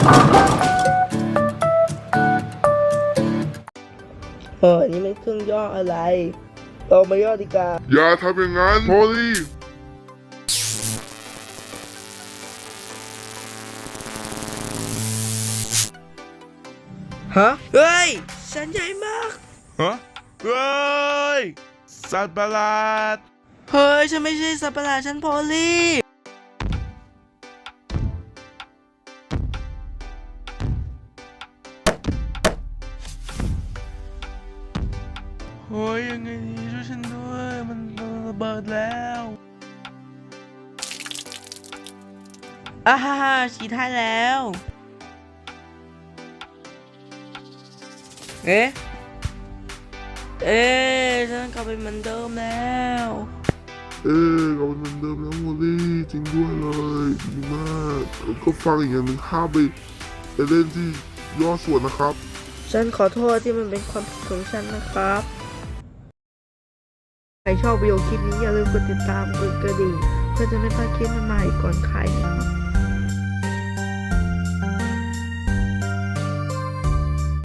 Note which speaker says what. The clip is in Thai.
Speaker 1: นี่มันเครื่องย่ออะไรเรามาย่อดีกว่า
Speaker 2: อย่าทำอย่างนั้นโพลี่
Speaker 1: ฮะเฮ้ยฉันใหญ่มาก
Speaker 2: ฮะเฮ้ยสัตว์ประหลาด
Speaker 1: เฮ้ยฉันไม่ใช่สัตว์ประหลาดฉันโพลี่
Speaker 2: เฮ้ยยังไงดีช่วยฉันด้วยมันระเบิดแล้ว
Speaker 1: อ่าฮ่าฮ่าฉีดให้แล้วเอ๊ะฉันกลับไปเหมือนเดิมแล้ว
Speaker 2: เราเป็นเหมือนเดิมแล้วโมลี่จริงด้วยเลยดีมากแล้วก็ฟังอีกอย่างหนึ่งห้ามไปเล่นที่ย่อส่วนนะครับ
Speaker 1: ฉันขอโทษที่มันเป็นความผิดของฉันนะครับใครชอบวิดีโอคลิปนี้อย่าลืมกดติดตามกดกระดิ่งเพื่อจะไม่พลาดคลิปใหม่ๆก่อนใครนะครับ